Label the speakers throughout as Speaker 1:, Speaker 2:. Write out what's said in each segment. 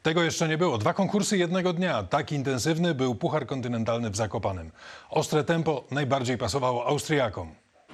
Speaker 1: Tego jeszcze nie było. 2 konkursy jednego dnia. Tak intensywny był Puchar Kontynentalny w Zakopanem. Ostre tempo najbardziej pasowało Austriakom.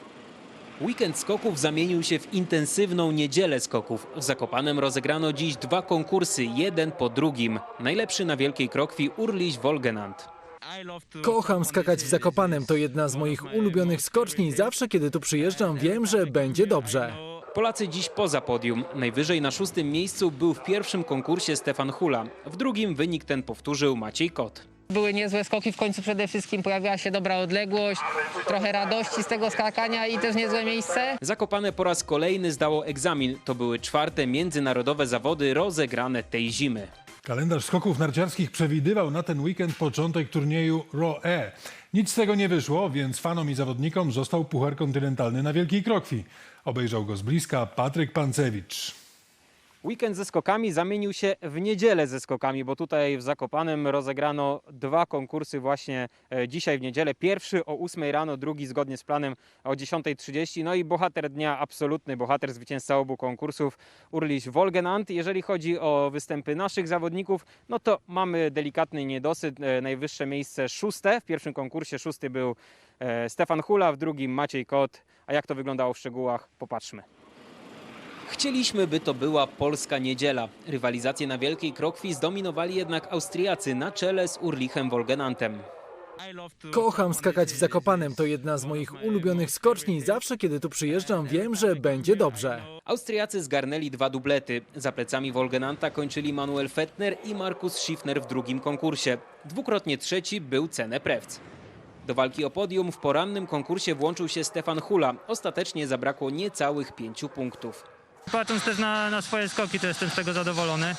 Speaker 2: Weekend skoków zamienił się w intensywną niedzielę skoków. W Zakopanem rozegrano dziś 2 konkursy, jeden po drugim. Najlepszy na Wielkiej Krokwi Urliś Wolgenant.
Speaker 3: Kocham skakać w Zakopanem, to jedna z moich ulubionych skoczni. Zawsze kiedy tu przyjeżdżam, wiem, że będzie dobrze.
Speaker 2: Polacy dziś poza podium. Najwyżej na 6. miejscu był w pierwszym konkursie Stefan Hula. W drugim wynik ten powtórzył Maciej Kot.
Speaker 4: Były niezłe skoki, w końcu przede wszystkim pojawiła się dobra odległość, trochę radości z tego skakania i też niezłe miejsce.
Speaker 2: Zakopane po raz kolejny zdało egzamin. To były 4. międzynarodowe zawody rozegrane tej zimy.
Speaker 1: Kalendarz skoków narciarskich przewidywał na ten weekend początek turnieju ROE. Nic z tego nie wyszło, więc fanom i zawodnikom został Puchar Kontynentalny na Wielkiej Krokwi. Obejrzał go z bliska Patryk Pancewicz.
Speaker 2: Weekend ze skokami zamienił się w niedzielę ze skokami, bo tutaj w Zakopanem rozegrano 2 konkursy właśnie dzisiaj w niedzielę. Pierwszy o 8 rano, drugi zgodnie z planem o 10:30. No i bohater dnia, absolutny bohater, zwycięzca obu konkursów, Urliś Wolgenant. Jeżeli chodzi o występy naszych zawodników, no to mamy delikatny niedosyt. Najwyższe miejsce 6. W pierwszym konkursie 6. był Stefan Hula, w drugim Maciej Kot. A jak to wyglądało w szczegółach? Popatrzmy. Chcieliśmy, by to była polska niedziela. Rywalizację na Wielkiej Krokwi zdominowali jednak Austriacy na czele z Urlichem Wolgenantem.
Speaker 3: Kocham skakać w Zakopanem, to jedna z moich ulubionych skoczni. Zawsze kiedy tu przyjeżdżam, wiem, że będzie dobrze.
Speaker 2: Austriacy zgarnęli 2 dublety. Za plecami Wolgenanta kończyli Manuel Fettner i Markus Schiffner w drugim konkursie. Dwukrotnie trzeci był Cene Prewc. Do walki o podium w porannym konkursie włączył się Stefan Hula. Ostatecznie zabrakło niecałych 5 punktów.
Speaker 5: Patrząc też na swoje skoki, to jestem z tego zadowolony,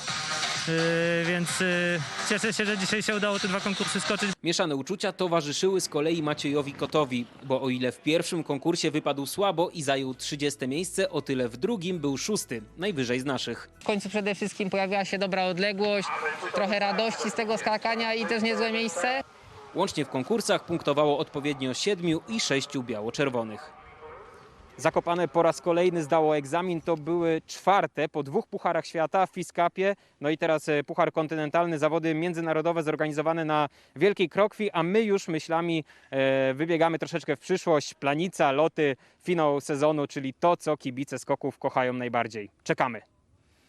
Speaker 5: więc cieszę się, że dzisiaj się udało te 2 konkursy skoczyć.
Speaker 2: Mieszane uczucia towarzyszyły z kolei Maciejowi Kotowi, bo o ile w pierwszym konkursie wypadł słabo i zajął 30. miejsce, o tyle w drugim był 6., najwyżej z naszych.
Speaker 4: W końcu przede wszystkim pojawiła się dobra odległość, trochę radości z tego skakania i też niezłe miejsce.
Speaker 2: Łącznie w konkursach punktowało odpowiednio 7 i 6 biało-czerwonych. Zakopane po raz kolejny zdało egzamin, to były 4. po 2 pucharach świata w FIS Cupie. No i teraz Puchar Kontynentalny, zawody międzynarodowe zorganizowane na Wielkiej Krokwi, a my już myślami wybiegamy troszeczkę w przyszłość. Planica, loty, finał sezonu, czyli to, co kibice skoków kochają najbardziej. Czekamy.